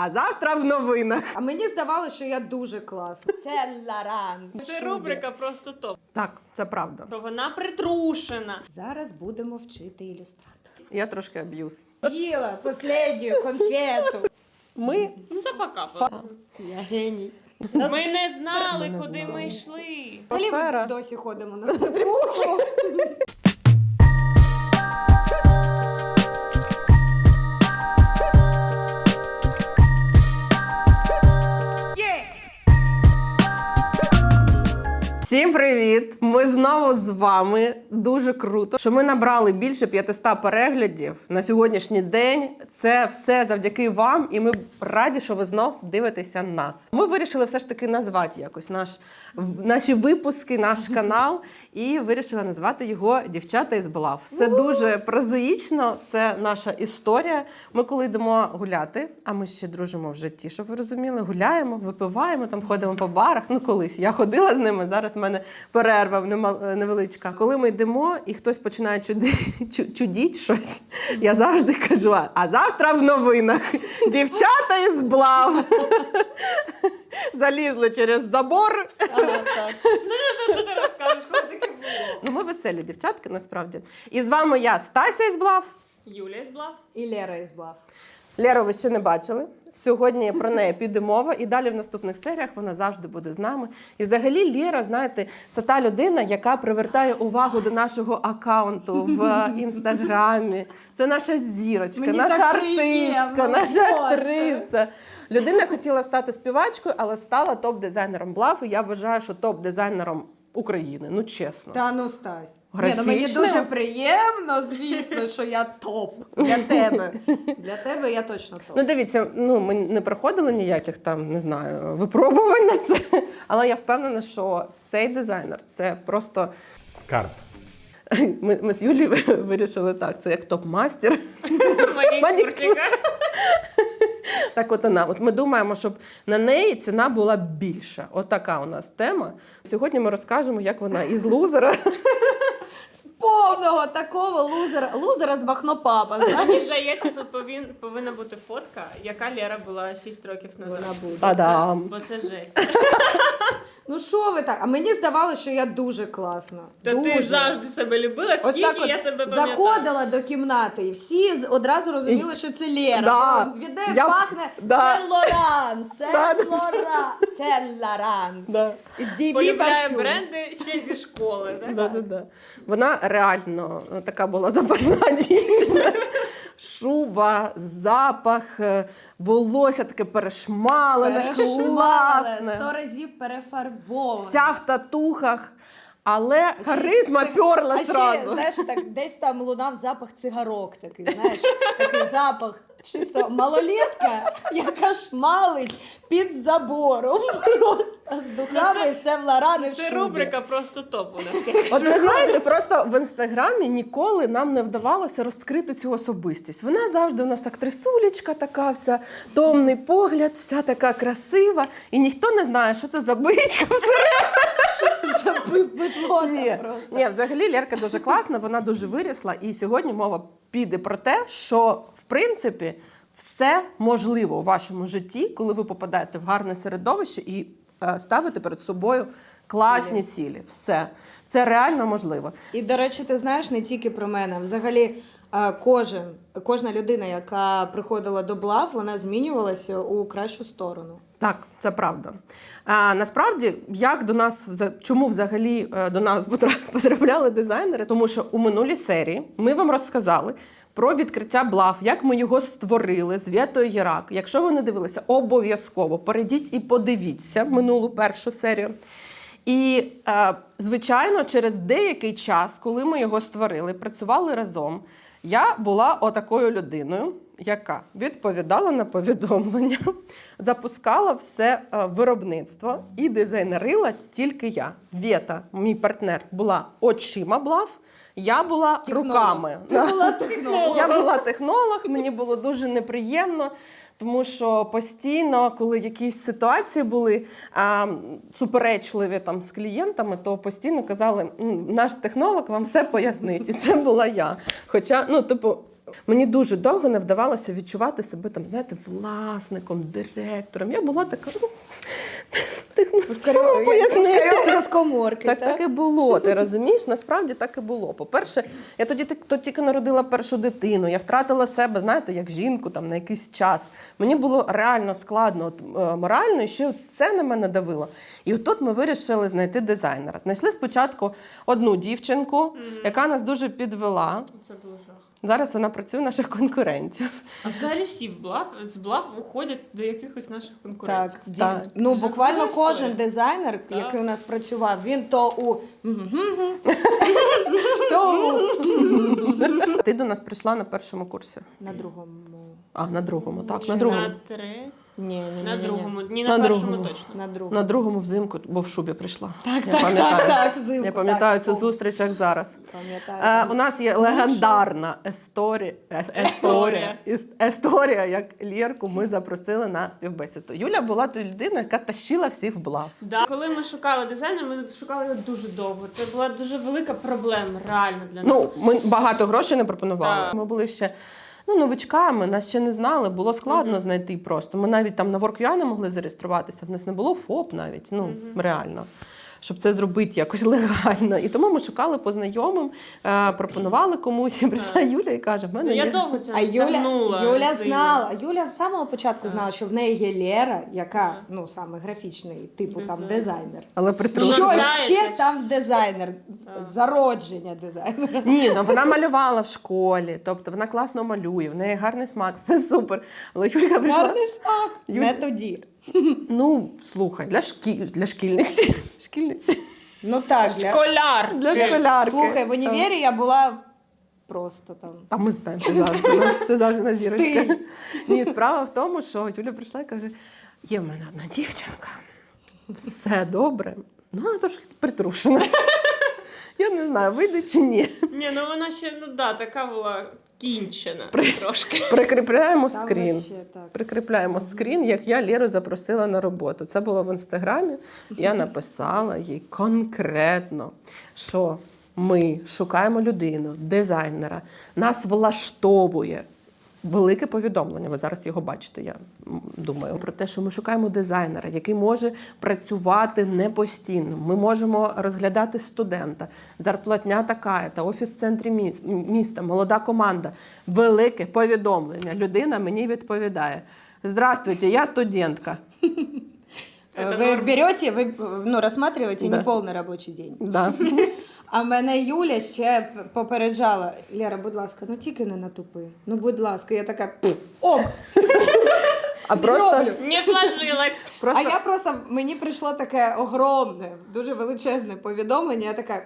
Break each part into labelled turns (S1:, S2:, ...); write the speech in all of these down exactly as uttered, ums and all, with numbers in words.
S1: А завтра в новинах.
S2: А мені здавалося, що я дуже класна. Це Лоран.
S3: Це рубрика просто топ.
S1: Так, це правда.
S3: То вона притрушена.
S2: Зараз будемо вчити ілюстратор.
S1: Я трошки аб'юз.
S2: Їла останню конфету.
S1: Ми
S3: Ну це факапи.
S1: Фа-
S2: Я геній.
S3: Ми не знали,
S1: Ми не
S3: куди
S1: знали.
S3: ми йшли.
S2: Взагалі
S1: Атмосфера.
S2: ми досі ходимо на стрімуху.
S1: Всім привіт! Ми знову з вами. Дуже круто, що ми набрали більше п'ятисот переглядів на сьогоднішній день. Це все завдяки вам, і ми раді, що ви знов дивитеся нас. Ми вирішили все ж таки назвати якось наш, наші випуски, наш канал, і вирішили назвати його «Дівчата із Блав». Все дуже прозаїчно, це наша історія. Ми коли йдемо гуляти, а ми ще дружимо в житті, щоб ви розуміли, гуляємо, випиваємо, там ходимо по барах. Ну колись я ходила з ними, зараз в мене перерва невеличка. Коли ми йдемо і хтось починає чуди, чудіть щось, я завжди кажу, а завтра в новинах дівчата із Блав залізли через забор.
S2: Ага, так.
S3: Ну, що ти розкажеш, коли таке було?
S1: Ну, ми веселі дівчатки, насправді. І з вами я, Стася із Блав.
S3: Юлія зблав.
S2: І Лера із Блав.
S1: Леру ви ще не бачили. Сьогодні про неї піде мова, і далі в наступних серіях вона завжди буде з нами. І взагалі Лера, знаєте, це та людина, яка привертає увагу до нашого акаунту в Інстаграмі. Це наша зірочка,
S2: Мені
S1: наша
S2: так
S1: артистка,
S2: приємно,
S1: наша
S2: Боже.
S1: актриса. Людина хотіла стати співачкою, але стала топ-дизайнером Блав. І я вважаю, що топ-дизайнером України. Ну, чесно.
S2: Та ну, Стась. Ні, ну мені
S1: Графічним?
S2: дуже приємно, звісно, що я топ. Для тебе. Для тебе я точно топ.
S1: Ну, дивіться, ну ми не проходили ніяких там, не знаю, випробувань на це. Але я впевнена, що цей дизайнер це просто
S4: Скарб.
S1: ми, ми з Юлією вирішили так. Це як топ-мастер.
S3: Манікюрчика.
S1: Так, от вона. От ми думаємо, щоб на неї ціна була більша. От така у нас тема. Сьогодні ми розкажемо, як вона із лузера.
S2: З повного такого лузера, лузера з Бахнопапа,
S3: Мені
S2: знаєш?
S3: здається, тут повин, повинна бути фотка, яка Лера була шість років назад.
S2: Вона буде.
S1: Та-дам!
S3: Бо це жесть.
S2: Ну що ви так? А мені здавалося, що я дуже класна.
S3: Та
S2: дуже.
S3: ти завжди себе любила,
S2: Ось
S3: скільки
S2: так от
S3: я тебе пам'ятаю.
S2: заходила до кімнати, і всі з- одразу розуміли, що це Лера.
S1: Да.
S2: Що Від неї
S1: Я-
S2: пахне
S1: да.
S2: це Лоран, це
S1: Да, да.
S2: Лоран, це Лоран.
S1: Да.
S2: З ді бі
S3: Полюбляє
S2: Parfums.
S3: бренди ще зі школи. Так?
S1: Да, да, да. Вона реально така була запашна дівчина. Шуба, запах, е, волосся таке перешмалене,
S2: Перешмалене,
S1: класне.
S2: сто разів перефарбоване.
S1: Вся в татухах, але харизма
S2: Це-
S1: перла
S2: а ще,
S1: зразу.
S2: знаєш, так, десь там лунав запах цигарок такий, знаєш, такий запах чисто малолетка, яка шмалить під забором. Просто з духами і все в Лоран і в
S3: Це
S2: шубі.
S3: рубрика просто топ у нас.
S1: От ви знаєте, просто в інстаграмі ніколи нам не вдавалося розкрити цю особистість. Вона завжди у нас актрисулечка така, вся томний погляд, вся така красива, і ніхто не знає, що це за бичка всередині.
S2: Бидлота
S1: Ні,
S2: просто.
S1: ні, взагалі Лерка дуже класна, вона дуже вирісла, і сьогодні мова піде про те, що в принципі все можливо у вашому житті, коли ви попадаєте в гарне середовище і е, ставите перед собою класні цілі. Все. Це реально можливо.
S2: І, до речі, ти знаєш, не тільки про мене. Взагалі, е, кожен, кожна людина, яка приходила до Блав, вона змінювалася у кращу сторону.
S1: Так, це правда. А, насправді, як до нас, вза- чому взагалі е, до нас потра- потрапляли дизайнери? Тому що у минулій серії ми вам розказали про відкриття Блав, як ми його створили з Вєтою Єрак. Якщо ви не дивилися, обов'язково перейдіть і подивіться минулу першу серію. І, е, звичайно, через деякий час, коли ми його створили, працювали разом, я була отакою людиною, яка відповідала на повідомлення, запускала все е, виробництво і дизайнерила тільки я. Вєта, мій партнер, була очима Блав, я була
S2: Технолог.
S1: руками.
S2: Ти була технолог.
S1: Я була технолог, мені було дуже неприємно, тому що постійно, коли якісь ситуації були а, суперечливі там з клієнтами, то постійно казали, «М, наш технолог вам все пояснить. І це була я. Хоча, ну, типу, Мені дуже довго не вдавалося відчувати себе там, знаєте, власником, директором. Я була така, ну, ти, ну, що пояснити?
S2: Розкоморки,
S1: Так, так і було. Ти розумієш? Насправді так і було. По-перше, я тоді тик- то тільки народила першу дитину. Я втратила себе, знаєте, як жінку там на якийсь час. Мені було реально складно от, е, морально, і ще от це на мене давило. І от тут ми вирішили знайти дизайнера. Знайшли спочатку одну дівчинку,
S3: Мгм.
S1: яка нас дуже підвела.
S3: Це був жах.
S1: Зараз вона працює у наших конкурентів.
S3: А взагалі всі в блав, з блав уходять до якихось наших
S2: Так,
S3: конкурентів.
S2: ді-
S1: Так.
S2: ну
S3: Жахлива
S2: буквально
S3: історія.
S2: кожен дизайнер,
S3: Так.
S2: який у нас працював, він то у «Мгм-гм-гм», то у
S1: Ти до нас прийшла на першому курсі.
S2: на другому.
S1: А, на другому, так,
S3: Чи
S1: на другому.
S3: На три.
S2: Ні, ні, ні,
S3: На
S2: ні,
S3: другому. Ні,
S1: На
S3: на, першому
S1: другому.
S3: точно.
S2: На другому.
S1: На другому взимку, бо в шубі прийшла.
S2: Так,
S1: Я
S2: так,
S1: пам'ятаю.
S2: так, так, взимку.
S1: Я пам'ятаю
S2: так,
S1: цю
S2: пом-
S1: зустріч, як зараз.
S2: Пам'ятаю.
S1: Е, у нас є легендарна есторія, е, есторія, іс- есторія, як Лєрку ми запросили на співбесіду. Юля була та людина, яка тащила всіх в блав.
S3: Да. Коли ми шукали дизайнера, ми шукали його дуже довго. Це була дуже велика проблема, реально для нас.
S1: Ну, ми багато грошей не пропонували.
S3: Так.
S1: Ми були ще ну, новичками, нас ще не знали, було складно
S3: Мгм.
S1: знайти просто. Ми навіть там на WorkUA не могли зареєструватися, в нас не було ФОП навіть, ну,
S3: Мгм.
S1: реально. Щоб це зробити якось легально. І тому ми шукали по знайомим, е, пропонували комусь, і прийшла
S3: Так.
S1: Юля і каже, в мене
S3: Ну, я
S1: є...
S3: довго це
S2: А Юля,
S3: тягнула.
S2: Юля
S3: з
S2: знала, Юля з самого початку
S3: Так.
S2: знала, що в неї є Лера, яка,
S3: Так.
S2: ну, саме графічний, типу там
S3: Дизайн.
S2: дизайнер.
S1: Але
S3: Ну,
S1: притрушена.
S2: Що
S3: знаєте
S2: ще
S3: ж.
S2: там дизайнер?
S3: Так.
S2: Зародження дизайнера.
S1: Ні, ну вона малювала в школі, тобто вона класно малює, в неї гарний смак, все супер. Але Юлька прийшла.
S2: Гарний смак.
S1: Юль-
S2: Не тоді.
S1: Ну, слухай, для шкі... для шкільниці. Шкільниці.
S2: Ну так, для...
S3: Школяр.
S1: Для
S2: Е,
S1: школярки.
S2: Слухай, в універі я була просто там.
S1: А ми знаємо, ти завжди, ти завжди на зірочка.
S2: Стиль.
S1: Ні, справа в тому, що Юля прийшла і каже: є в мене одна дівчинка, все добре, ну вона трошки притрушена. Я не знаю, вийде чи ні.
S3: Ні, ну вона ще, ну да, така була кінчена
S1: При-
S3: трошки.
S1: Прикріпляємо
S2: Там
S1: скрін.
S2: вообще так.
S1: Прикріпляємо скрін, як я Лєру запросила на роботу. Це було в інстаграмі. Я написала їй конкретно, що ми шукаємо людину, дизайнера, нас влаштовує. Велике повідомлення, ви зараз його бачите, я м, думаю, про те, що ми шукаємо дизайнера, який може працювати не постійно. Ми можемо розглядати студента, зарплатня така, та офіс в центрі міс- міста, молода команда. Велике повідомлення. Людина мені відповідає: здравствуйте, я студентка.
S3: Это
S2: Ви
S3: норм.
S2: берете, ви ну, розсматриваєте
S1: Да.
S2: неповний робочий день.
S1: Да.
S2: А мене Юля ще попереджала: Лера, будь ласка, ну тільки не натупи. Ну, будь ласка, я така ок,
S1: А просто,
S2: зроблю.
S3: Не сложилось.
S1: просто
S2: А я просто, мені прийшло таке огромне, дуже величезне повідомлення, я така,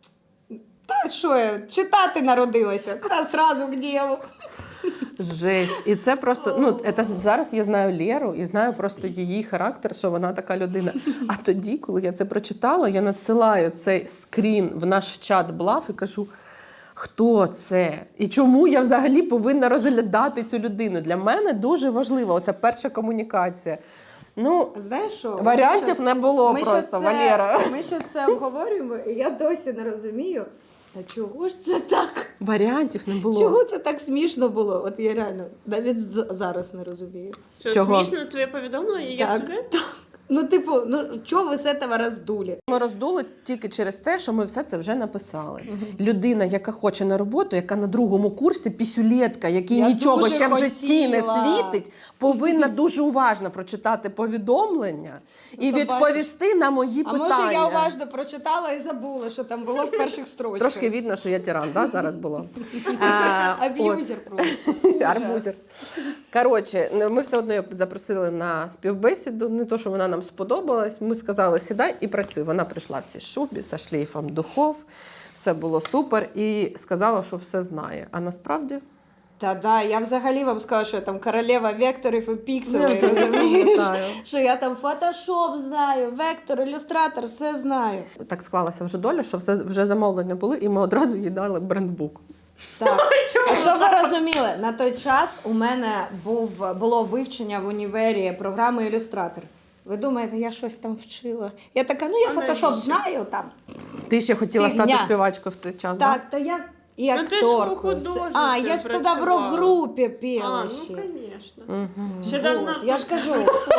S2: та що я, читати народилася, та сразу к ділу.
S1: жесть. І це просто, ну, це, зараз я знаю Лєру і знаю просто її характер, що вона така людина. А тоді, коли я це прочитала, я надсилаю цей скрін в наш чат Блав і кажу, хто це? І чому я взагалі повинна розглядати цю людину? Для мене дуже важлива оця перша комунікація. Ну,
S2: Знаєш що?
S1: варіантів
S2: ми щас-
S1: не було
S2: ми щас
S1: просто,
S2: це-
S1: Валера.
S2: Ми ще це обговорюємо, і я досі не розумію, а чого ж це так?
S1: Варіантів не було.
S2: Чого це так смішно було? От я реально навіть з- зараз не розумію.
S3: Що,
S1: Чого?
S3: смішно твоє повідомлення? Я
S2: Так.
S3: студент?
S2: Ну, типу, ну чого ви з цього роздулі?
S1: Ми роздули тільки через те, що ми все це вже написали. Людина, яка хоче на роботу, яка на другому курсі, пісюлєтка, якій
S2: Я
S1: нічого
S2: дуже
S1: ще в житті не
S2: хотіла.
S1: світить, повинна дуже уважно прочитати повідомлення і
S2: то
S1: відповісти на мої
S2: А
S1: питання.
S2: може я уважно прочитала і забула, що там було в перших строчках.
S1: Трошки видно, що я тиран, да, зараз було. А, от.
S2: Аб'юзер просто.
S1: Арбузер. Коротше, ну, ми все одно її запросили на співбесіду. Не то, що вона нам сподобалась. Ми сказали, сідай і працюй. Вона прийшла в цій шубі зі шлейфом духов. Все було супер. І сказала, що все знає. А насправді
S2: Та да, я взагалі вам скажу, що я там королева векторів і
S1: я
S2: пікселей,
S1: вже не
S2: розумієш?
S1: пам'ятаю.
S2: Що я там фотошоп знаю, вектор, ілюстратор, все знаю.
S1: Так склалася вже доля, що все вже замовлення були, і ми одразу їй дали брендбук.
S2: Так. А що ви розуміли? На той час у мене був, було вивчення в універі програми ілюстратор. Ви думаєте, я щось там вчила? Я така, ну я
S3: А
S2: фотошоп
S3: навіщо?
S2: знаю там.
S1: Ти ще хотіла
S2: Фігня.
S1: стати співачкою в той час,
S2: Так, та я і
S3: Ну, ти ж
S2: акторкою.
S3: художницею
S2: А, я ж тоді в
S3: працювала.
S2: рок-групі
S3: А,
S2: пела
S3: ну,
S2: ще.
S3: звісно.
S1: Угу.
S3: Ще
S2: Вот,
S3: должна
S2: я ж кажу.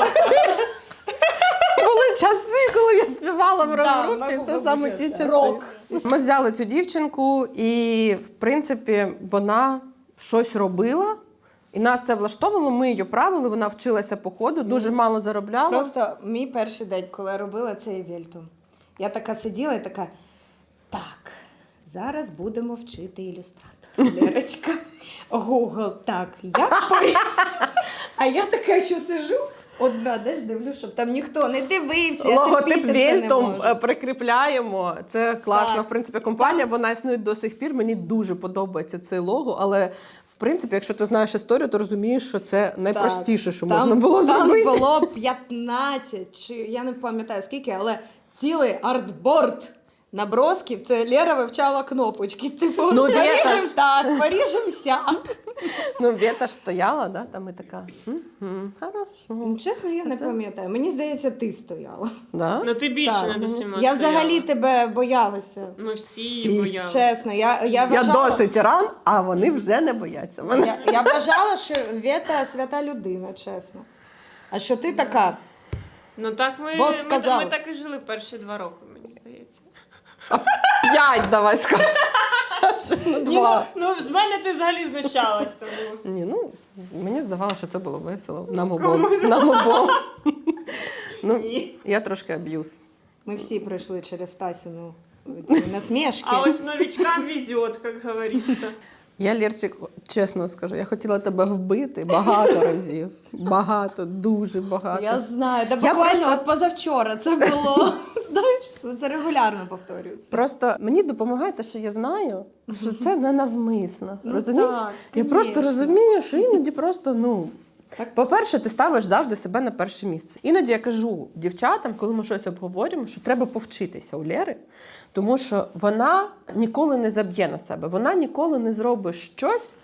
S1: Були часи, коли я співала в
S2: Да,
S1: рок-групі,
S2: могу
S1: це саме ті
S2: вибачитися.
S1: часи.
S2: Рок.
S1: Ми взяли цю дівчинку, і, в принципі, вона щось робила, і нас це влаштовувало, ми її правили, вона вчилася по ходу, дуже мало заробляла.
S2: Просто мій перший день, коли я робила цей вельтум, я така сиділа і така, так, зараз будемо вчити ілюстратор. Лерочка, Google, так, як по... А я така, що сижу, одна, де ж дивлюсь, щоб там ніхто не дивився, я
S1: Логотип
S2: терпіти це не
S1: Вельтом
S2: можу.
S1: е, прикріпляємо. Це класна,
S2: Так.
S1: в принципі, компанія. Вона існує до сих пір. Мені дуже подобається цей лого, але в принципі, якщо ти знаєш історію, то розумієш, що це найпростіше, що
S2: Там-
S1: можна було
S2: там
S1: зробити.
S2: було п'ятнадцять, чи я не пам'ятаю скільки, але цілий артборд набросків. Це Лера вивчала кнопочки. Типу,
S1: Ну,
S2: поріжем
S1: Вєта ж.
S2: так, поріжем сяк.
S1: Ну, Вєта ж стояла, да, там і така. «Мгм, хорошо.
S2: Ну, чесно, я не
S1: Це-
S2: пам'ятаю. Мені здається, ти стояла.
S1: Да?
S3: Ну ти більше
S2: Так.
S3: над усіма
S2: Я
S3: стояла.
S2: взагалі тебе боялася.
S3: Ми всі,
S1: Всі.
S3: боялися.
S2: Чесно, я, я,
S1: Я
S2: вважала,
S1: досить ран, а вони вже не бояться мене.
S2: я, я вважала, що Вєта свята людина, чесно. А що ти така?
S3: Ну так ми,
S2: Бос
S3: ми,
S2: сказав.
S3: ми так і жили перші два роки, мені здається.
S1: П'ять давай скажи. Ну,
S3: Ні,
S1: два.
S3: ну, ну з мене ти взагалі знущалась тому.
S1: Ні, ну, мені здавалося, що це було весело. Нам обом.
S3: Кому?
S1: Нам обом. Ну,
S3: Ні.
S1: я трошки аб'юз.
S2: Ми всі пройшли через Тасіну ці насмішки.
S3: А ось новичкам везет, як говориться.
S1: Я, Лєрчик, чесно скажу, я хотіла тебе вбити багато разів. Багато, дуже багато.
S2: Я знаю, да
S1: Я
S2: буквально
S1: просто-
S2: от позавчора це було. Знаєш, це регулярно повторюється.
S1: Просто мені допомагає те, що я знаю, що це не навмисно.
S2: Ну
S1: Розумієш?
S2: так,
S1: Я просто
S2: конечно.
S1: розумію, що іноді просто, ну.
S2: Так.
S1: По-перше, ти ставиш завжди себе на перше місце. Іноді я кажу дівчатам, коли ми щось обговорюємо, що треба повчитися у Лєри, тому що вона ніколи не заб'є на себе, вона ніколи не зробить щось,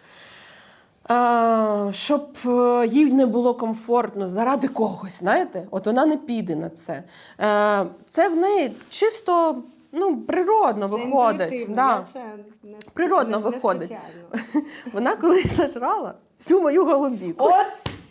S1: а, щоб е, їй не було комфортно заради когось. Знаєте? От вона не піде на це. Е, Це в неї чисто ну, природно
S2: Це
S1: виходить.
S2: інтуїтивно,
S1: Да.
S2: я це не,
S1: Природно
S2: не, не
S1: виходить.
S2: спеціально.
S1: Вона колись зажрала всю мою голубіку.
S2: От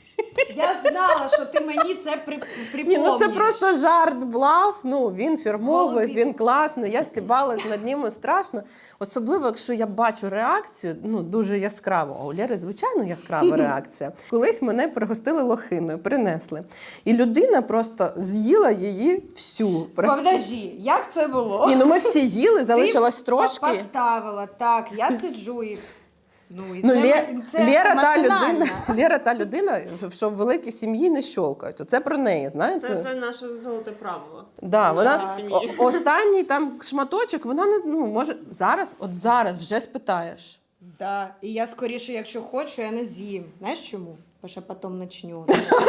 S2: я знала, що ти мені це при,
S1: Ні,
S2: припомніш.
S1: ну це просто жарт, блав. Ну він фірмовий,
S2: Голубі.
S1: він класний. Я стібалась над ним страшно. Особливо, якщо я бачу реакцію, ну дуже яскраву. А у Лєри, звичайно, яскрава реакція. Колись мене пригостили лохиною, принесли. І людина просто з'їла її всю.
S2: Подожди, як це було?
S1: Ні, ну ми всі їли, залишилось
S2: Ти
S1: трошки.
S2: Поставила, так, я сиджу і... Ну, і
S1: Ну,
S2: це,
S1: Лє...
S2: це
S1: Лєра, та
S2: машинально.
S1: людина, Лєра та людина, що в великій сім'ї не щолкають. Оце про неї, знаєте?
S3: Це, це наше золоте правило.
S1: Да, вона
S3: Нашій сім'ї.
S1: о- останній там шматочок, вона не ну може зараз, от зараз вже спитаєш.
S2: Да. І я скоріше, якщо хочу, я не з'їм. Знаєш чому? Бо що потім начну.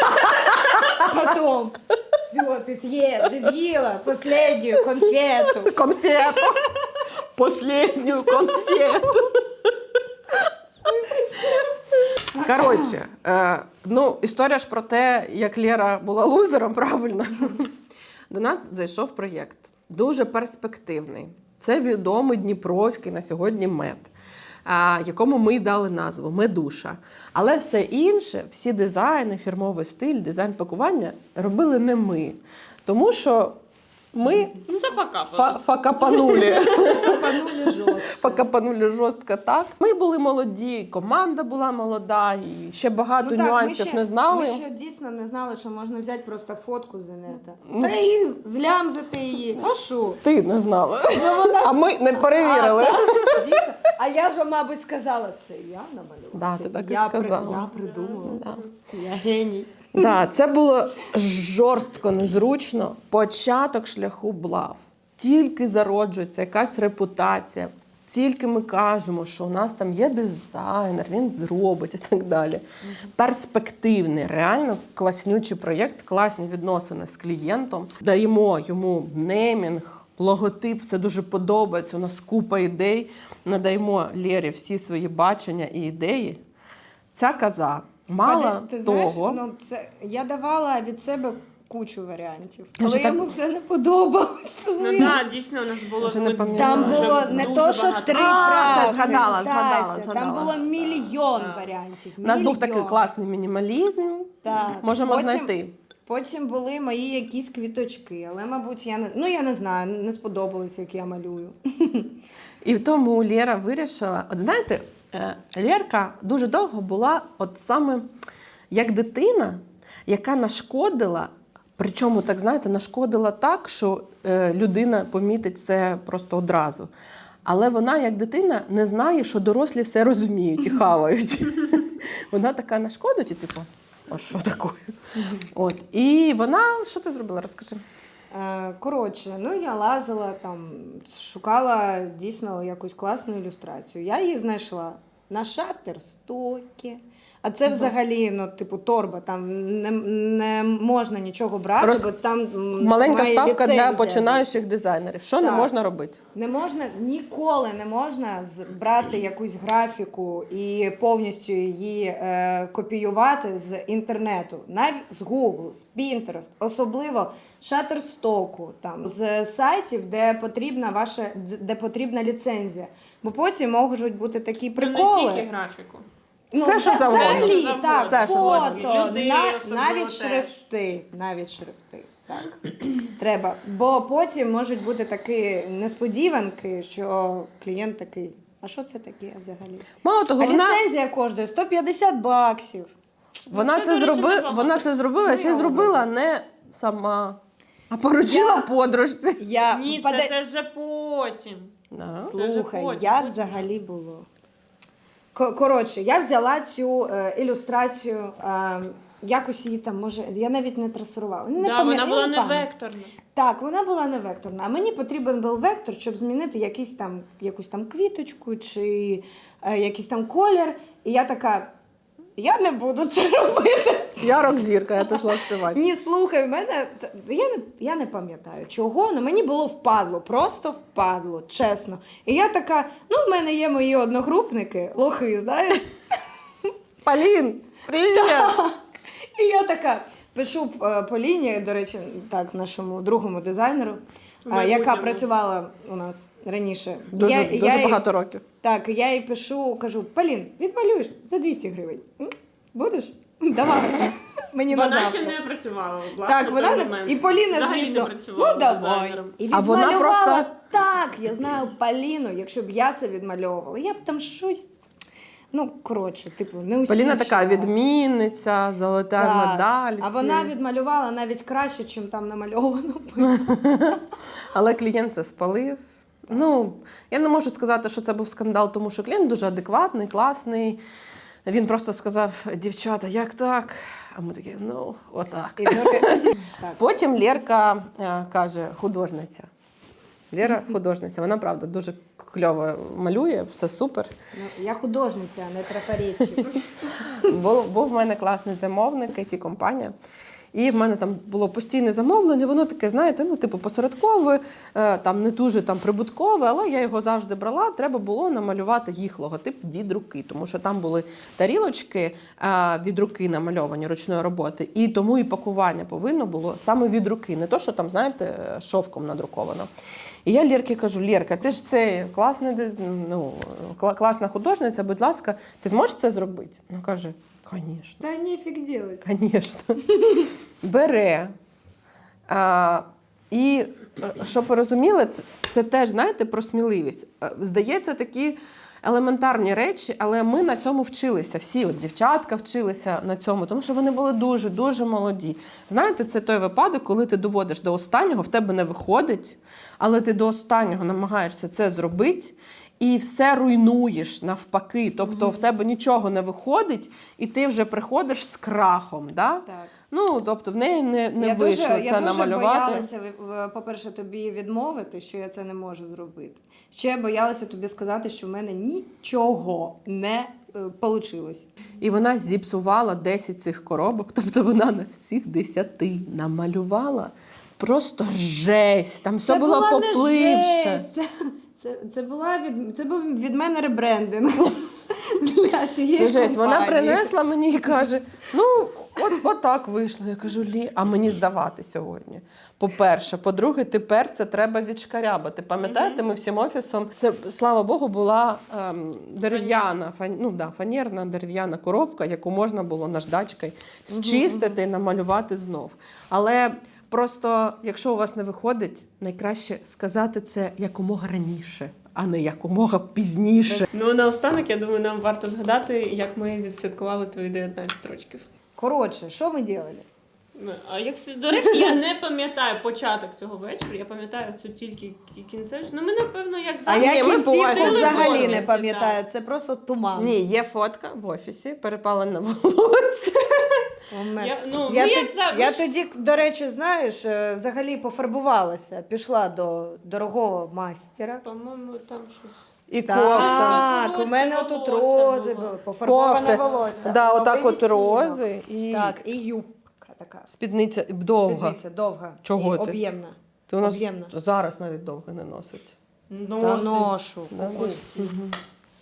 S2: Потім. Все, ти з'їла, ти з'їла останню конфету.
S1: Конфету. Последню конфету. Коротше, е, ну історія ж про те, як Лєра була лузером, правильно. До нас зайшов проєкт. Дуже перспективний. Це відомий дніпровський на сьогодні мед, а, якому ми й дали назву Медуша. Але все інше, всі дизайни, фірмовий стиль, дизайн пакування робили не ми. Тому що ми
S3: Ну це факапи.
S1: фа- факапанулі.
S2: Капанули жорстко.
S1: Покапанули жорстко так. Ми були молоді, команда була молода, і ще багато
S2: Ну так, ми
S1: нюансів
S2: ще-
S1: не знали.
S2: Ми ще дійсно не знали, що можна взяти просто фотку з інета.
S1: Ну.
S2: Та і злямзати її. А що?
S1: Ти не знала.
S2: Ну, вона...
S1: А ми не перевірили.
S2: А, так, дійсно. А я ж, мабуть, сказала, це я намалювала.
S1: Да,
S2: Це
S1: ти так і
S2: я при-
S1: сказала.
S2: Я придумала.
S1: Да.
S2: Я геній.
S1: Да, це було жорстко незручно. Початок шляху блав. Тільки зароджується якась репутація. Тільки ми кажемо, що у нас там є дизайнер, він зробить і так далі. Перспективний, реально класнючий проєкт, класні відносини з клієнтом. Даємо йому неймінг, логотип, все дуже подобається. У нас купа ідей. Надаємо Лєрі всі свої бачення і ідеї. Ця коза мала
S2: Ти знаєш,
S1: того.
S2: ну, це, я давала від себе кучу варіантів.
S1: Я
S2: Але
S1: ж так-
S2: йому все не подобалось.
S3: Ну так, дійсно, у нас було
S1: Вже не
S3: ми
S1: пам'ятаю.
S2: Там
S3: дуже-
S2: було не
S3: дуже
S2: то, що
S3: багато.
S2: три
S1: А,
S2: правки.
S1: все, згадала,
S2: Стася,
S1: згадала,
S2: Там
S1: згадала.
S2: було мільйон
S3: Так.
S2: варіантів.
S1: У нас був такий
S2: мільйон.
S1: класний мінімалізм.
S2: Так.
S1: Можемо
S2: Потім-
S1: знайти.
S2: Потім були мої якісь квіточки, але, мабуть, я не, ну, я не знаю, не сподобалось, як я малюю.
S1: І тому Лєра вирішила. От знаєте, е, Лєрка дуже довго була от саме як дитина, яка нашкодила, причому, так знаєте, нашкодила так, що е, людина помітить це просто одразу. Але вона, як дитина, не знає, що дорослі все розуміють і хавають. Вона така нашкодить і типу, а що таке? От. І вона, що ти зробила? Розкажи.
S2: Е, Коротше, ну я лазила там, шукала дійсно якусь класну ілюстрацію. Я її знайшла на Шаттерстокі. А це
S1: Мгм.
S2: взагалі, ну, типу, торба, там не, не можна нічого брати,
S1: Роз-
S2: бо там м,
S1: Маленька
S2: має
S1: ставка для
S2: ліцензія
S1: починаючих дизайнерів. Що не
S2: Так.
S1: можна робити?
S2: Не можна, ніколи не можна з- брати якусь графіку і повністю її е, копіювати з інтернету, навіть з Google, з Pinterest, особливо Shutterstock, там, з сайтів, де потрібна ваша, де потрібна ліцензія. Бо потім можуть бути такі приколи.
S3: Ну, не тільки графіку.
S1: Все, що
S2: та-
S1: завгодно.
S2: взагалі,
S3: Все, що
S2: так,
S1: завгодно. Все, що
S2: фото,
S3: завгодно. Люди
S2: на-
S3: особливо
S2: навіть
S3: теж.
S2: шрифти, навіть шрифти. Так. Треба. Бо потім можуть бути такі несподіванки, що клієнт такий, а що це таке взагалі?
S1: Мало того,
S2: А
S1: вона,
S2: ліцензія коштує сто п'ятдесят баксів.
S1: вона,
S3: Це,
S1: це
S3: до речі,
S1: зроби,
S3: небагато.
S1: вона це зробила,
S2: Ну,
S1: ще
S2: я
S1: зробила не сама, а поручила
S2: Я-
S1: подружці.
S2: Я
S3: Ні,
S2: пода-
S3: це, це вже потім.
S1: Да.
S3: Це вже
S2: Слухай,
S3: потім,
S2: як
S3: потім.
S2: взагалі було? Ко- Коротше, я взяла цю е, ілюстрацію, е, якось її там, може, я навіть не трасувала. Не
S3: Да,
S2: пам'ятаю,
S3: вона
S2: я
S3: була не
S2: пам'ятаю.
S3: векторна.
S2: Так, вона була не векторна. А мені потрібен був вектор, щоб змінити якийсь там, якусь там квіточку чи е, якийсь там колір. І я така, я не буду це робити.
S1: Я рок-зірка, я пішла співати.
S2: Ні, слухай, в мене т- я не, я не пам'ятаю чого, але мені було впадло, просто впадло, чесно. І я така, ну, в мене є мої одногрупники, лохи, знаєш.
S1: Полін, привіт!
S2: І я така пишу е, Поліні, до речі, так, нашому другому дизайнеру,
S3: В
S2: е, яка
S3: майбутньому.
S2: працювала у нас раніше.
S1: Дуже,
S2: я,
S1: дуже
S2: я їй-
S1: багато років.
S2: Так, я їй пишу, кажу, Полін, відмалюєш за двісті гривень. М? Будеш? Давай. Мені на
S3: Вона
S2: завтра.
S3: ще не працювала. власне,
S2: Так,
S3: в
S2: вона
S3: той
S2: не...
S3: момент.
S2: і Поліна,
S3: Взагалі
S2: звісно,
S3: не працювала
S2: ну давай.
S3: дизайнером.
S2: І
S1: А вона
S2: відмалювала
S1: просто-
S2: так, я знаю Поліну, якщо б я це відмальовувала, я б там щось, ну, коротше, типу, не усі.
S1: Поліна така відмінниця, золота
S2: Так.
S1: медаль.
S2: А
S1: всі.
S2: вона відмалювала навіть краще, ніж там намальовано.
S1: Але клієнт це спалив. Ну, я не можу сказати, що це був скандал, тому що клієнт дуже адекватний, класний. Він просто сказав: дівчата, як так? А ми такі, ну, отак.
S2: І доки- так.
S1: Потім Лєрка е, каже, художниця. Лєра художниця, вона правда дуже кльово малює, все супер.
S2: Ну, я художниця, а не трафаретчик.
S1: Був, був в мене класний замовник, ай ті-компанія. І в мене там було постійне замовлення, воно таке, знаєте, ну, типу, посередкове, е, там не дуже там прибуткове, але я його завжди брала. Треба було намалювати їх логотип від руки, тому що там були тарілочки е, від руки намальовані ручної роботи, і тому і пакування повинно було саме від руки, не то, що там, знаєте, шовком надруковано. І я Лєрці кажу: Лєрка, ти ж це класна, ну, кла- класна художниця, будь ласка, ти зможеш це зробити? Вона каже: звісно.
S2: Та нефіг делать.
S1: Звісно. Бере. А, і, е, щоб ви розуміли, це, це теж, знаєте, про сміливість. Е, Здається, такі елементарні речі, але ми на цьому вчилися. Всі от дівчатка вчилися на цьому, тому що вони були дуже-дуже молоді. Знаєте, це той випадок, коли ти доводиш до останнього, в тебе не виходить, але ти до останнього намагаєшся це зробити, і все руйнуєш навпаки. Тобто
S2: Мгм.
S1: в тебе нічого не виходить, і ти вже приходиш з крахом. Да?
S2: Так.
S1: Ну, тобто в неї не, не
S2: я
S1: вийшло
S2: дуже,
S1: це
S2: я дуже
S1: намалювати.
S2: боялася, в- по-перше, тобі відмовити, що я це не можу зробити. Ще я боялася тобі сказати, що в мене нічого не вийшло.
S1: І вона зіпсувала десять цих коробок, тобто вона на всіх десяти намалювала просто жесть. Там все було
S2: була не
S1: попливше.
S2: жесть. Це, це, це, була від, це був від мене ребрендинг. для цієї
S1: Це жесть. Вона
S2: компанії.
S1: принесла мені і каже: ну, от, от так вийшло. Я кажу, Лі, а мені здавати сьогодні. По-перше, по-друге, тепер це треба відшкарябати. Пам'ятаєте, ми всім офісом, це, слава Богу, була ем, дерев'яна, фан, ну, да, фанерна дерев'яна коробка, яку можна було наждачкою зчистити і намалювати знов. Але просто, якщо у вас не виходить, найкраще сказати це якомога раніше, а не якомога пізніше.
S3: Ну, наостанок, я думаю, нам варто згадати, як ми відсвяткували твої дев'ятнадцять років.
S2: Коротше, що ми робили?
S3: Ну, а як, до речі, я не пам'ятаю початок цього вечора, я пам'ятаю цю тільки кі- кінцевич. Ну, ми, напевно, як
S2: А
S3: завжди.
S2: я
S1: Ні, ми
S2: кінцівку
S1: буваємо
S2: взагалі
S3: в
S2: не
S3: офісі,
S2: пам'ятаю, це просто туман.
S1: Ні, є фотка в офісі, перепалена волосся.
S2: У мене.
S3: Я, ну,
S2: Я,
S3: ми
S2: тоді,
S3: як завжди.
S2: я тоді, до речі, знаєш, е, взагалі пофарбувалася, пішла до дорогого мастера.
S3: По-моєму, там щось.
S1: І кофта.
S2: Так, у мене отут
S3: волосся
S2: рози
S3: було.
S2: були, пофарбоване
S1: Кофти.
S2: волосся.
S1: Да, отак
S2: новий
S1: от
S2: відтінок.
S1: рози і
S2: Так, і юбка така.
S1: спідниця довга.
S2: Спідниця довга.
S1: Чого
S2: і
S1: ти?
S2: об'ємна.
S1: Ти у нас
S2: Об'ємна.
S1: зараз навіть довго не носить.
S2: Та
S3: Носить.
S2: ношу.
S1: Да?
S2: Кукусті.
S1: Мгм.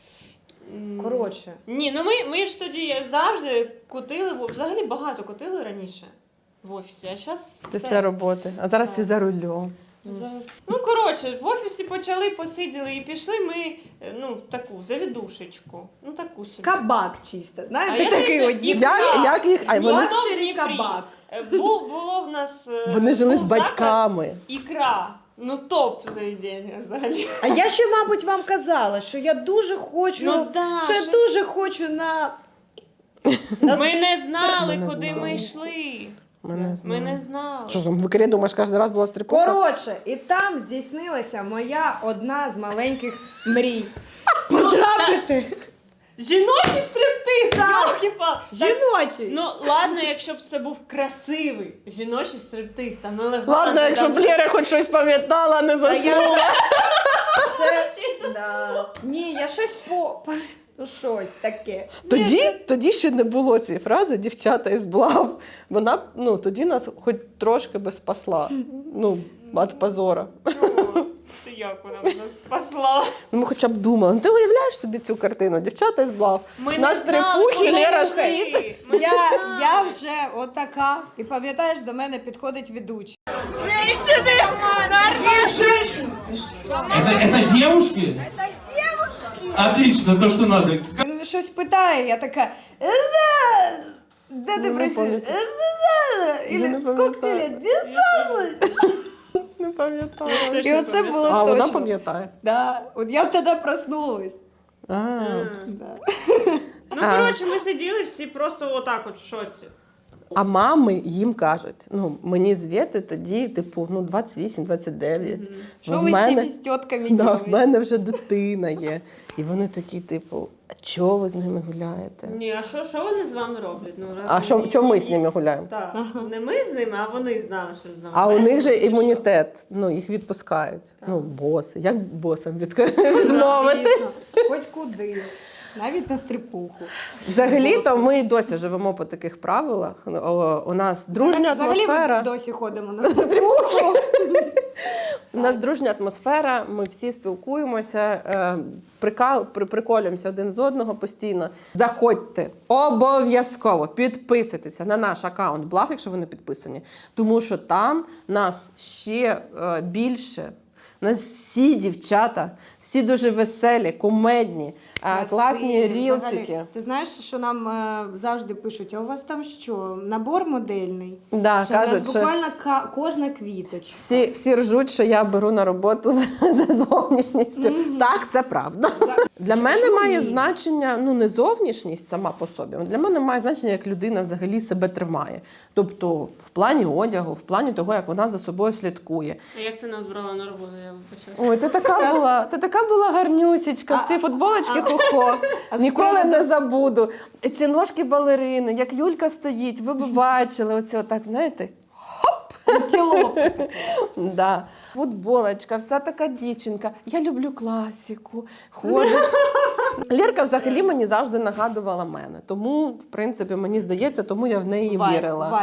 S3: М.
S2: Коротше.
S3: Ні, ну ми, ми ж тоді завжди кутили, в- взагалі багато кутили раніше в офісі, а зараз
S1: Після роботи. А зараз
S3: Так.
S1: і за рулем.
S3: Зараз. Ну, коротше, в офісі почали, посиділи і пішли ми, е, ну, в таку завідушечку. Ну, таку собі.
S2: Кабак чисто.
S3: А
S2: Знаєте,
S3: я
S2: такий
S3: не-
S2: от
S3: і-
S2: дім-
S1: Як, як їх? А вони,
S2: Лакшері кабак.
S3: Е, Бу, було в нас. е,
S1: вони жили з
S3: був заклад
S1: батьками.
S3: Ікра. Ну, топ заведення взагалі.
S2: А я ще, мабуть, вам казала, що я дуже хочу,
S3: Ну, да,
S2: що я
S3: щось-
S2: дуже хочу на... на...
S3: Ми не знали,
S1: Ми не
S3: куди
S1: знали.
S3: ми йшли.
S1: Ми не
S3: Ми
S1: знали.
S3: не знали.
S1: Що там, в Ікрі, думаєш, кожен раз була стрипуха?
S2: Коротше, і там здійснилася моя одна з маленьких мрій. Потрапити.
S3: Жіночий стриптиз, йолки-па!
S2: Жіночий.
S3: Ну, ладно, якщо б це був красивий жіночий стриптиз, там налегла.
S1: Ладно, якщо б Лєра хоч щось пам'ятала, не
S2: Та я
S1: заснула.
S2: Це... Да. Ні, я щось по... Ну, щось таке.
S1: Тоді, тоді ще не було цієї фрази «дівчата із блав». Вона, ну, тоді нас хоч трошки би спасла. Ну, від позора.
S3: Чого? Це як вона нас спасла?
S1: Ну, ми хоча б думали. Ну, ти уявляєш собі цю картину? Дівчата із блав.
S3: Ми
S1: На
S3: не знали,
S1: стрипухі
S3: куди
S1: Лера
S3: йшли.
S1: стоїть.
S3: Ми не
S2: Я,
S3: знали.
S2: я вже отака. І пам'ятаєш, до мене підходить ведучий.
S4: Это, это девушки? Это девушки! Отлично, то, что надо.
S2: Він щось питає, я така. «Е, Де ти
S1: Ну, не
S2: працюєш?
S1: пам'ятаю.
S2: «Е,
S1: Я не
S2: Ілі, скільки ти
S1: пам'ятаю.
S2: лет? десять?»
S1: Не пам'ятала.
S3: Теж
S2: І
S3: не
S2: оце
S3: пам'ятаю.
S2: було
S1: А вона
S2: точно.
S1: пам'ятає.
S2: Да. От я тоді проснулась.
S1: А.
S3: М.
S2: Да.
S3: Ну,
S1: А.
S3: коротше, ми сиділи всі просто отак от в шоці.
S1: А мами їм кажуть, ну, мені звідти тоді, типу, ну, двадцять вісім двадцять дев'ять.
S3: Мгм.
S2: Що
S1: В
S2: ви з
S1: мене-
S2: цими з тітками
S1: Да, в
S2: робите?
S1: мене вже дитина є. І вони такі, типу, а чого ви з ними гуляєте?
S3: Ні, а що, що вони з вами роблять? Ну, раз
S1: А що,
S3: вони-
S1: чому ми з ними гуляємо?
S3: Так,
S2: Ага.
S3: не ми з ними, а вони з нами, що з нами.
S1: А у них же
S3: Весело, чи
S1: імунітет, ну, їх відпускають.
S3: Так.
S1: Ну, боси. Як босам відк- відмовити?
S2: Звісно. Хоч куди. Навіть на стрипуху.
S1: Взагалі-то ми й досі живемо по таких правилах. О, У нас дружня
S2: Взагалі
S1: атмосфера.
S2: ми досі ходимо на стрипуху.
S1: У нас дружня атмосфера, ми всі спілкуємося, е, прикал, при, приколюємося один з одного постійно. Заходьте, обов'язково підписуйтеся на наш аккаунт Блав, якщо ви не підписані, тому що там нас ще е, більше. У нас всі дівчата, всі дуже веселі, кумедні, е, класні
S2: Красиві.
S1: рілсики.
S2: Взагалі, ти знаєш, що нам е, завжди пишуть, а у вас там що, набор модельний?
S1: Да,
S2: Що в нас
S1: кажуть, що
S2: буквально ка- кожна квіточка.
S1: всі, всі ржуть, що я беру на роботу за, за зовнішністю.
S2: Мгм.
S1: Так, це правда. Для мене
S2: Чому
S1: має
S2: ні?
S1: значення ну не зовнішність сама по собі. Для мене має значення, як людина взагалі себе тримає. Тобто в плані одягу, в плані того, як вона за собою слідкує.
S3: А як ти нас брала на роботу, я вибачаюся.
S1: Ой, ти така була, ти така була гарнюсічка в цій футболочці хо-хо.
S2: А
S1: Ніколи
S2: справа-
S1: не забуду. І ці ножки балерини, як Юлька стоїть, ви б бачили оце отак, знаєте?
S2: Антилоп.
S1: Да. Футболочка, вся така дівчинка. Я люблю класику. Ходить. Лєрка взагалі мені завжди нагадувала мене. Тому, в принципі, мені здається, тому я в неї
S2: Вайб,
S1: вірила.
S2: вайб.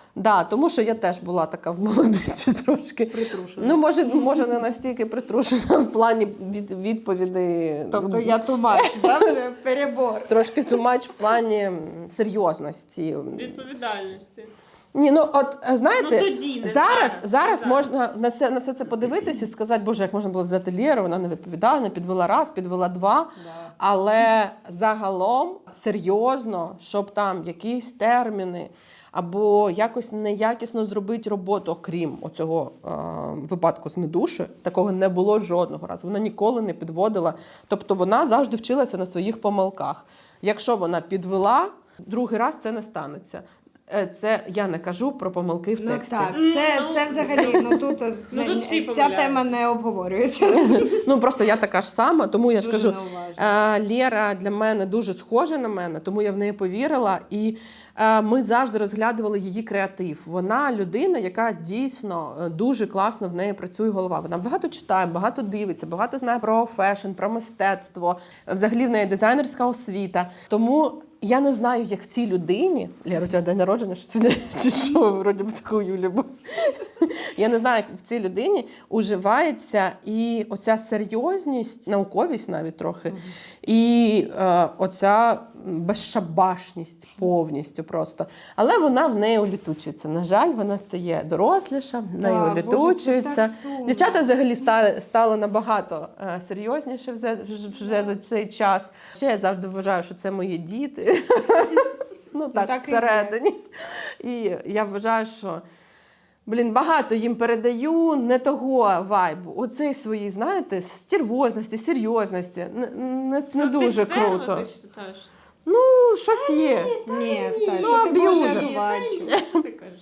S1: Да, тому що я теж була така в молодості трошки.
S2: Притрушена.
S1: Ну, може, може, не настільки притрушена в плані від, відповідей.
S2: Тобто я тумач, да, вже перебор.
S1: Трошки тумач в плані серйозності.
S3: Відповідальності.
S1: Ні, ну от знаєте,
S3: Ну, тоді, не
S1: зараз,
S3: зараз,
S1: зараз
S3: не
S1: можна на все, на все це подивитися і сказати, боже, як можна було взяти Лєру, вона не відповідала, не підвела раз, підвела два.
S2: Да.
S1: Але загалом серйозно, щоб там якісь терміни або якось неякісно зробити роботу, окрім оцього е, випадку з Медушею, такого не було жодного разу. Вона ніколи не підводила. Тобто вона завжди вчилася на своїх помилках. Якщо вона підвела, другий раз це не станеться. Е, Це я не кажу про помилки в
S2: Ну
S1: тексті.
S2: так, це, це взагалі, ну тут,
S3: Ну, тут всі
S2: ця
S3: помиляються.
S2: тема не обговорюється.
S1: Ну просто я така ж сама, тому я ж
S2: Дуже
S1: кажу,
S2: неуважно.
S1: е, Лєра для мене дуже схожа на мене, тому я в неї повірила. І е, ми завжди розглядували її креатив. Вона людина, яка дійсно е, дуже класно в неї працює голова. Вона багато читає, багато дивиться, багато знає про фешн, про мистецтво. Взагалі в неї дизайнерська освіта. Тому я не знаю, як в цій людині. Лєра, у тебе день народження, що це чи що, вроді би таку Юлі був. Я не знаю, як в цій людині уживається і оця серйозність, науковість навіть трохи, і е, оця безшабашність повністю просто. Але вона в неї улітучується. На жаль, вона стає доросліша, в неї
S2: Да,
S1: улітучується.
S2: Боже, це так сумно.
S1: Дівчата взагалі стали, стали набагато е, серйозніше вже, вже за цей час. Ще я завжди вважаю, що це мої діти. Ну так,
S2: так і є.
S1: всередині. І я вважаю, що блін, багато їм передаю не того вайбу. Оцей свої, знаєте, стервозності, серйозності. Не, не, не
S3: Ну,
S1: дуже
S3: ти стерва,
S1: круто.
S3: ти вважаєш?
S1: Ну, щось є.
S2: Ні, Стась,
S1: Ну,
S2: ти Боже
S1: аб'юзер.
S2: одуванчик.
S3: Що ти кажеш?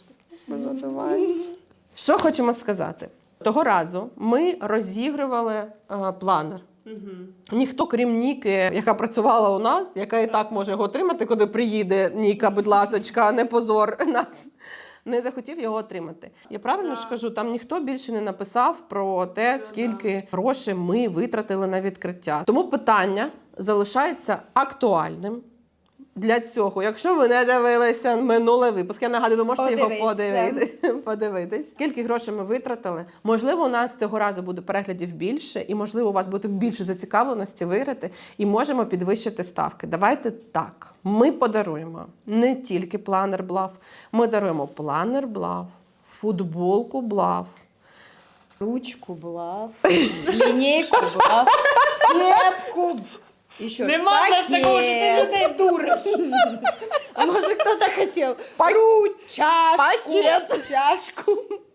S1: Що хочемо сказати? Того разу ми розігрували е, планер.
S3: Мгм.
S1: Ніхто, крім Ніки, яка працювала у нас, яка і так може його отримати, коли приїде Ніка, будь ласочка, не позор нас, не захотів його отримати. Я правильно
S3: Да.
S1: ж кажу, там ніхто більше не написав про те, скільки грошей ми витратили на відкриття. Тому питання залишається актуальним. Для цього, якщо ви не дивилися минулий випуск, я нагадую, ви можете його
S2: Подивіться.
S1: подивитись, подивитись. Скільки грошей ми витратили? Можливо, у нас цього разу буде переглядів більше, і можливо, у вас буде більше зацікавленості виграти, і можемо підвищити ставки. Давайте так. Ми подаруємо не тільки планер Блав, ми даруємо планер Блав, футболку Блав,
S2: Ручку блав, лінійку блав, кепку. І що?
S3: Нема в нас такого, що ти
S2: пакет.
S3: людей дуриш.
S2: А може хто-то хотів?
S1: Пак-
S2: Ручку, чашку,
S1: Пакет.
S2: чашку.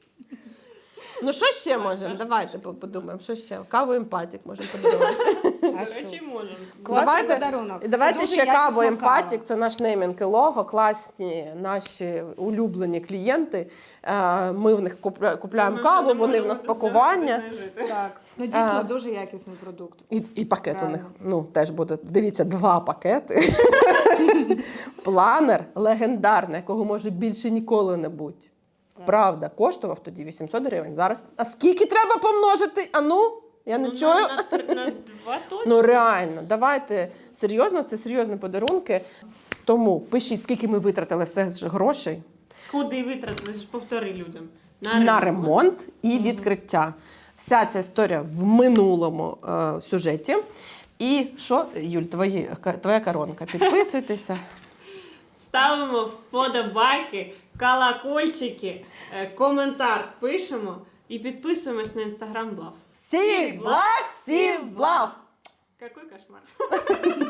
S1: Ну що ще можемо? Давайте по- подумаємо, що ще? Каву емпатік можемо подарувати.
S2: А
S3: До
S2: що?
S3: речі, можемо.
S2: Класний
S1: Давайте,
S2: подарунок.
S1: і давайте
S2: Дуже
S1: ще
S2: якісна
S1: каву емпатік,
S2: кава.
S1: це наш неймінг і лого, класні наші улюблені клієнти. Е, Ми в них купля- купляємо
S3: Ми
S1: каву,
S3: вже не
S1: вони в
S3: можемо
S1: нас
S3: без
S1: пакування.
S3: них жити.
S2: Так, ну дійсно
S1: А.
S2: дуже якісний продукт.
S1: І, і пакет у
S2: Правильно.
S1: них ну, теж буде. Дивіться, два пакети. Планер легендарний, якого може більше ніколи не бути. Правда, коштував тоді вісімсот гривень. Зараз. А скільки треба помножити? А ну, я не
S3: Ну,
S1: чую.
S3: На, на, три- на два точно.
S1: Ну реально, давайте серйозно, це серйозні подарунки. Тому пишіть, скільки ми витратили все ж грошей
S3: Куди витратили? Ж повтори людям.
S1: на ремонт і відкриття. Вся ця історія в минулому е, сюжеті. І що, Юль, твої, ка- твоя коронка? Підписуйтеся.
S3: Ставимо вподобайки, колокольчики, е, коментар пишемо і підписуємось на інстаграм Блав.
S1: Всі благ, всі благ!
S3: Какой кошмар.